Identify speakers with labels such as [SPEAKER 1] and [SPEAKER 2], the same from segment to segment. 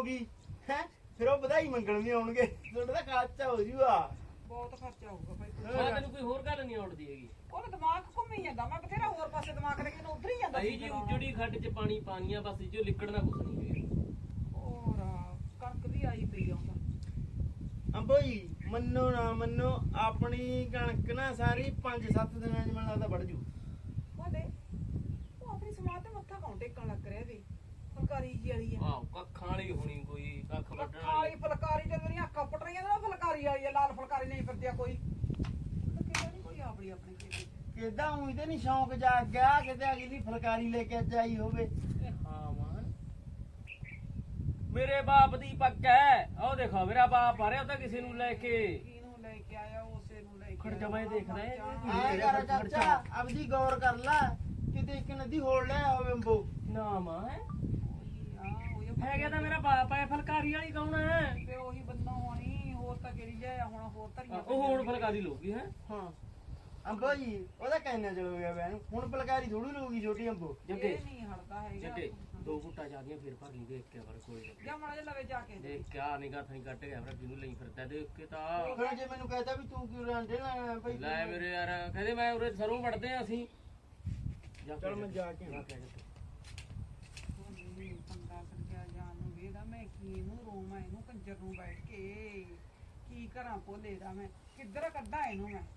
[SPEAKER 1] ਹੋਊਗੀ ਹੈ ਫਿਰ ਉਹ ਵਧਾਈ ਮੰਗਣ ਵੀ ਆਉਣਗੇ ਤੁਹਾਡਾ ਤਾਂ ਖਰਚਾ ਹੋ ਜੂਗਾ
[SPEAKER 2] ਬਹੁਤ ਖਰਚਾ ਹੋਊਗਾ ਭਾਈ
[SPEAKER 3] ਮੈਂ ਤੈਨੂੰ ਕੋਈ ਹੋਰ ਗੱਲ ਨਹੀਂ ਆਉਂਦੀ ਹੈਗੀ
[SPEAKER 2] ਉਹਦਾ ਦਿਮਾਗ ਘੁੰਮੀ ਜਾਂਦਾ ਮੈਂ ਬਥੇਰਾ ਹੋਰ ਪਾਸੇ ਦਿਮਾਗ ਲੈ ਕੇ ਇਹਨੂੰ ਉਧਰ ਹੀ ਜਾਂਦਾ
[SPEAKER 3] ਅਹੀ ਜੀ ਉਜੜੀ ਖੱਡ ਚ ਪਾਣੀ ਪਾਣੀਆਂ ਬਸ ਜੋ ਲਿਕੜਨਾ ਕੁਛ ਨਹੀਂ ਹੈਗਾ
[SPEAKER 2] ਹੋਰ ਕਣਕ ਵੀ ਆਈ ਪਈ ਆਉਂਦਾ
[SPEAKER 1] ਅੰਬੋਈ ਮੰਨੋ ਨਾ ਮੰਨੋ ਆਪਣੀ ਕਣਕ ਨਾ ਸਾਰੀ 5-7 ਦਿਨਾਂ ਚ ਮੈਨੂੰ ਲੱਗਦਾ ਵੜ ਜੂ
[SPEAKER 2] ਉਹਦੇ ਉਹ ਆਪਣੀ ਸਮਾਜ ਤੇ ਮੱਥਾ ਕੌਣ ਟੇਕਣ ਲੱਗ ਰਿਹਾ ਵੀ ਫੁਲਕਾਰੀ ਜੀ ਵਾਲੀ ਆ
[SPEAKER 3] ਆਹ ਕੱਖਾਂ ਵਾਲੀ ਹੋਣੀ ਕੋਈ ਕੱਖ ਵੱਢਣ
[SPEAKER 2] ਕਾਲੀ
[SPEAKER 3] ਵਾਲੀ
[SPEAKER 2] ਫੁਲਕਾਰੀ ਤੇ ਮੇਰੀਆਂ ਅੱਖਾਂ ਪਟ ਰਹੀਆਂ ਨੇ ਫੁਲਕਾਰੀ ਵਾਲੀ ਆ ਲਾਲ ਫੁਲਕਾਰੀ ਨਹੀਂ ਫਿਰਦੀ ਆ ਕੋਈ ਕਿਹੜਾ ਨਹੀਂ ਕੋਈ ਆਪਣੀ ਆਪਣੀ ਖੇਤੀ
[SPEAKER 1] ਕਿਦਾਂ ਉਹੀ ਤੇ ਨਹੀਂ ਸ਼ੌਂਕ ਜਾਗ ਗਿਆ ਕਿਤੇ ਅਗਲੀ ਫੁਲਕਾਰੀ ਲੈ ਕੇ ਅੱਜ ਆਈ ਹੋਵੇ
[SPEAKER 3] ਹਾਂ ਮਾਨ ਮੇਰੇ ਬਾਪ ਦੀ ਪੱਕ ਹੈ ਉਹ ਦੇਖੋ ਮੇਰਾ ਬਾਪ ਆ ਰਿਹਾ ਉਹ ਤਾਂ ਕਿਸੇ ਨੂੰ ਲੈ ਕੇ
[SPEAKER 2] ਕਿਹਨੂੰ ਲੈ ਕੇ ਆਇਆ ਉਸੇ ਨੂੰ ਲੈ ਕੇ
[SPEAKER 3] ਖੜ ਜਾ ਮੈਂ ਦੇਖਦਾ ਹੈ
[SPEAKER 1] ਐ ਕਰ ਚਾਚਾ ਆਪਦੀ ਗੌਰ ਕਰ ਲੈ ਕਿਤੇ ਇੱਕ ਨਦੀ ਹੋੜ ਲੈ ਹੋਵੇ ਅੰਬੋ
[SPEAKER 3] ਨਾ ਮਾਂ ਹੈਗਾ ਤਾਂ ਮੇਰਾ ਬਾਪ ਹੈ ਫਲਕਾਰੀ ਵਾਲੀ ਕੌਣ ਹੈ
[SPEAKER 2] ਤੇ ਉਹੀ ਬੰਦਾ ਹੋਣੀ ਹੋਰ ਤਾਂ ਕਿਹੜੀ ਜਾਇਆ ਹੁਣ ਹੋਰ ਧਰੀਆਂ
[SPEAKER 3] ਉਹ ਹੁਣ ਫਲਕਾਰੀ ਲੋਗੀ ਹੈ
[SPEAKER 1] ਹਾਂ ਅੰਬੋ ਜੀ ਉਹਦਾ ਕਹਿਣਾ ਚਲੋ ਗਿਆ ਬੈਨ ਹੁਣ ਫੁਲਕਾਰੀ ਥੋੜੀ ਲਊਗੀ ਛੋਟੀ ਅੰਬੋ
[SPEAKER 3] ਜੱਗੇ
[SPEAKER 2] ਇਹ ਨਹੀਂ ਹਟਦਾ ਹੈਗਾ
[SPEAKER 3] ਜੱਗੇ ਦੋ ਫੁੱਟਾ ਜਾਂਦੀਆਂ ਫਿਰ ਭਰ ਲਈ ਦੇਖ ਕੇ ਪਰ ਕੋਈ
[SPEAKER 2] ਜਾਂ ਮਾੜਾ ਜਿਹਾ ਲਵੇ ਜਾ ਕੇ
[SPEAKER 3] ਦੇਖ ਕਿਆ ਨਿਗਾਹ ਥਣੀ ਕੱਟ ਗਿਆ ਫਿਰ ਕਿਹਨੂੰ ਲਈ ਫਿਰਦਾ ਦੇਖ ਕੇ ਤਾਂ
[SPEAKER 1] ਫਿਰ ਜੇ ਮੈਨੂੰ ਕਹਤਾ ਵੀ ਤੂੰ ਕਿਉਂ ਰਾਂਡੇ ਲੈਣਾ ਭਾਈ
[SPEAKER 3] ਲੈ ਮੇਰੇ ਯਾਰ ਕਹਿੰਦੇ ਮੈਂ ਉਰੇ ਸਰੋਂ ਵੜਦੇ ਆ ਅਸੀਂ
[SPEAKER 1] ਚਲ ਮੈਂ ਜਾ ਕੇ ਆਉਣਾ।
[SPEAKER 2] ਪੰਗਾ ਕਰਜਾ ਜਾਨ ਨੂੰ ਵੇਦਾ ਮੈਂ ਕੀ ਇਹਨੂੰ ਰੋਵਾਂ ਇਹਨੂੰ ਕੰਜਰ ਨੂੰ ਬੈਠ ਕੇ ਕੀ ਕਰਾਂ ਭੋਲੇ ਦਾ ਮੈਂ ਕਿੱਧਰ ਕੱਢਾਂ ਇਹਨੂੰ ਮੈਂ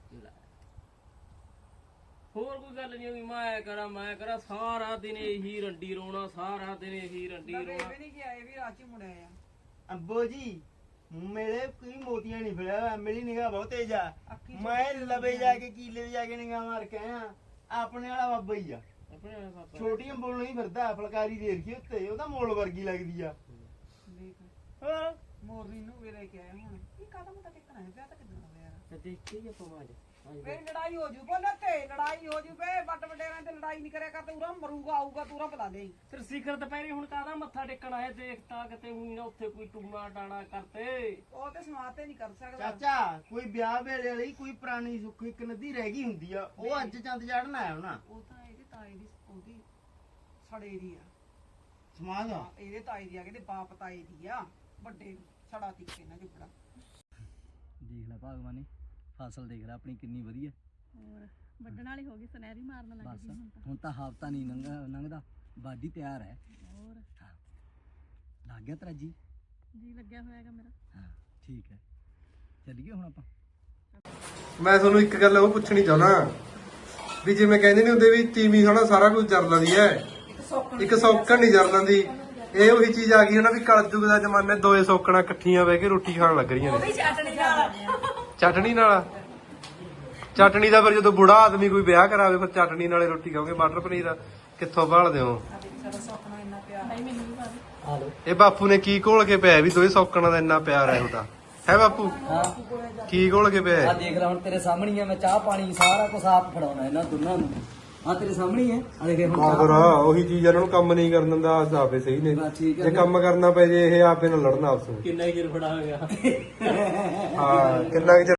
[SPEAKER 3] ਹੋਰ ਕੋਈ ਗੱਲ ਨਹੀਂ ਹੋਈ ਮੈਂ ਕਰਾਂ ਸਾਰਾ ਦਿਨ ਇਹੀ ਰੰਡੀ ਰੋਣਾ ਸਾਰਾ ਦਿਨ ਇਹੀ ਰੰਡੀ
[SPEAKER 2] ਲਵੇ
[SPEAKER 3] ਰੋਣਾ
[SPEAKER 2] ਵੀ ਨਹੀਂ ਗਿਆ ਇਹ ਵੀ ਰਾਚੀ ਮੁੜਿਆ ਆ
[SPEAKER 1] ਅੰਬੋ ਜੀ ਮੇਰੇ ਕੋਈ ਮੋਤੀਆਂ ਨਹੀਂ ਫਿਰਿਆ ਹੋਇਆ ਮੇਰੀ ਨਿਗਾਹ ਬਹੁਤ ਤੇਜ਼ ਆ
[SPEAKER 2] ਅੱਖੀ
[SPEAKER 1] ਮੈਂ ਲਵੇ ਜਾ ਕੇ ਕੀਲੇ ਜਾ ਕੇ ਨਿਗਾਹ ਮਾਰ ਕੇ ਆਇਆ ਆਪਣੇ ਵਾਲਾ ਬਾਬਾ ਹੀ ਆ
[SPEAKER 3] ਆਪਣੇ ਵਾਲਾ ਪਾਪਾ
[SPEAKER 1] ਛੋਟੀ ਅੰਬੋ ਨਹੀਂ ਫਿਰਦਾ ਫੁਲਕਾਰੀ ਦੇ ਰਖੀ ਉੱਤੇ ਉਹਦਾ ਮੋਲ ਵਰਗੀ ਲੱਗਦੀ ਆ
[SPEAKER 2] ਦੇਖ
[SPEAKER 1] ਹਾਂ
[SPEAKER 2] ਮੋਰਨੀ ਨੂੰ ਵੀ ਲੈ ਕੇ ਆਇਆ ਹੁਣ ਕੀ ਕਾਹਦਾ ਮਤਾ ਟਿਕਣਾ ਹੈ ਵਿਆਹ ਤਾਂ ਕਿੱਦਾਂ ਹੋਇਆ ਯਾਰ
[SPEAKER 3] ਤੇ ਦੇਖ ਕੇ ਆਪਾਂ ਮਾਜ
[SPEAKER 2] ਮੇਰੀ ਲੜਾਈ ਹੋ ਜੂ ਬੋਲੇ ਤੇ ਲੜਾਈ ਹੋ ਜੂ ਬੇ ਵੱਡ ਵਡੇਰਾਂ ਤੇ ਲੜਾਈ ਨਹੀਂ ਕਰਿਆ ਕਰ ਤੇ ਉਰਾ ਮਰੂਗਾ ਆਊਗਾ ਤੂੰ ਉਰਾ ਬੁਲਾ ਦੇ
[SPEAKER 3] ਫਿਰ ਸਿਖਰ ਦੁਪਹਿਰੇ ਹੁਣ ਕਾਹਦਾ ਮੱਥਾ ਟੇਕਣ ਆਏ ਦੇਖਤਾ ਕਿਤੇ ਹੋਈ ਨਾ ਉੱਥੇ ਕੋਈ ਟੂਣਾ ਟਾਣਾ ਕਰਤੇ
[SPEAKER 2] ਉਹ ਤੇ ਸਮਾਜ ਤੇ ਨਹੀਂ ਕਰ ਸਕਦਾ
[SPEAKER 1] ਚਾਚਾ ਕੋਈ ਵਿਆਹ ਵੇਲੇ ਵਾਲੀ ਕੋਈ ਪੁਰਾਣੀ ਸੁੱਖ ਇੱਕ ਨਦੀ ਰਹਿ ਗਈ ਹੁੰਦੀ ਆ ਉਹ ਅੱਜ ਚੰਦ ਚੜਨ ਆਇਆ ਹੋਣਾ
[SPEAKER 2] ਉਹ ਤਾਂ ਇਹਦੇ ਤਾਏ ਦੀ ਉਹਦੀ ਸੜੇ ਦੀ ਆ
[SPEAKER 1] ਸਮਾਜ ਆ
[SPEAKER 2] ਹਾਂ, ਇਹਦੇ ਤਾਏ ਦੀ ਆ ਕਹਿੰਦੇ ਬਾਪ ਤਾਏ ਦੀ ਆ ਵੱਡੇ ਛੜਾ ਤਿੱਕੇ ਨਾ ਜੁਗੜਾ
[SPEAKER 4] ਦੇਖ ਲੈ ਭਗਵਾਨੇ ਫਸਲ ਦੇਖ ਲੈ ਆਪਣੀ ਕਿੰਨੀ ਵਧੀਆ
[SPEAKER 5] ਹੋਰ ਵੱਢਣ ਵਾਲੀ ਹੋ ਗਈ ਸੁਨਹਿਰੀ ਮਾਰਨ ਲੱਗ
[SPEAKER 4] ਬਸ
[SPEAKER 5] ਗਈ
[SPEAKER 4] ਹੁਣ ਤਾਂ ਹਫ਼ਤਾ ਨਹੀਂ ਲੰਘਦਾ ਵਾਢੀ ਤਿਆਰ ਹੈ
[SPEAKER 5] ਹੋਰ
[SPEAKER 4] ਲੱਗ ਗਿਆ ਤੇਰਾ ਜੀ
[SPEAKER 5] ਲੱਗਿਆ ਹੋਇਆਗਾ ਮੇਰਾ
[SPEAKER 4] ਹਾਂ ਠੀਕ ਹੈ ਚੱਲੀਏ ਹੁਣ ਆਪਾਂ
[SPEAKER 6] ਮੈਂ ਤੁਹਾਨੂੰ ਇੱਕ ਗੱਲ ਉਹ ਪੁੱਛਣੀ ਚਾਹੁੰਦਾ ਵੀ ਜਿਵੇਂ ਕਹਿੰਦੇ ਨੇ ਹੁੰਦੇ ਵੀ ਤੀਵੀਂ ਹਨਾ ਸਾਰਾ ਕੁਝ ਜਰ ਲੈਂਦੀ ਹੈ ਇੱਕ ਸੌਕਣ ਨਹੀਂ ਜਰ ਲੈਂਦੀ ਇਹ ਉਹੀ ਚੀਜ਼ ਆ ਗਈ ਹਨਾ ਵੀ ਕਲਯੁਗ ਦਾ ਜ਼ਮਾਨੇ ਦੋਏ ਸੌਕਣਾ ਇਕੱਠੀਆਂ ਬਹਿ ਕੇ ਰੋਟੀ ਖਾਣ ਲੱਗ ਰਹੀਆਂ ਨੇ ਚਟਣੀ ਨਾਲ ਚਟਣੀ ਦਾ ਫਿਰ ਜਦੋਂ ਬੁੜਾ ਆਦਮੀ ਕੋਈ ਵਿਆਹ ਕਰਾਵੇ ਫਿਰ ਚਟਣੀ ਨਾਲੇ ਰੋਟੀ ਖਾਓਗੇ ਮਟਰ ਪਨੀਰ ਕਿੱਥੋਂ ਭਾਲਦੇ ਹੋ ਇਹ ਬਾਪੂ ਨੇ ਕੀ ਘੋਲ ਕੇ ਪਿਆ ਵੀ ਦੋਏ ਸੌਕਣਾ ਦਾ ਇੰਨਾ ਪਿਆਰ ਹੈ ਉਹਦਾ ਹੈ ਬਾਪੂ ਕੀ ਘੋਲ ਕੇ ਪਿਆ
[SPEAKER 4] ਆ ਦੇਖ ਲੈ ਹੁਣ ਤੇਰੇ ਸਾਹਮਣੇ ਆ ਮੈਂ ਚਾਹ ਪਾਣੀ ਸਾਰਾ ਕੁਝ ਆਪ ਫੜਾਉਣਾ ਇਹਨਾਂ ਦੋਨਾਂ ਨੂੰ ਆ ਤੇਰੇ ਸਾਹਮਣੇ ਹੈ ਆ ਦੇਖ ਹੁਣ ਚਾਹ
[SPEAKER 6] ਕਾਦਰ ਉਹੀ ਚੀਜ਼ ਇਹਨਾਂ ਨੂੰ ਕੰਮ ਨਹੀਂ ਕਰਨ ਦਿੰਦਾ ਆਪੇ ਸਹੀ ਨੇ
[SPEAKER 4] ਬਸ ਠੀਕ ਹੈ
[SPEAKER 6] ਜੇ ਕੰਮ ਕਰਨਾ ਪੈ ਜੇ ਇਹ ਆਪੇ ਨਾਲ ਲੜਨਾ ਆਪਸ ਵਿੱਚ
[SPEAKER 3] ਕਿੰਨਾ ਹੀ ਚਿਰ ਫੜਾ ਹੋ ਗਿਆ
[SPEAKER 6] ਹਾਂ ਕਿੰਨਾ ਕੁ ਚਿਰ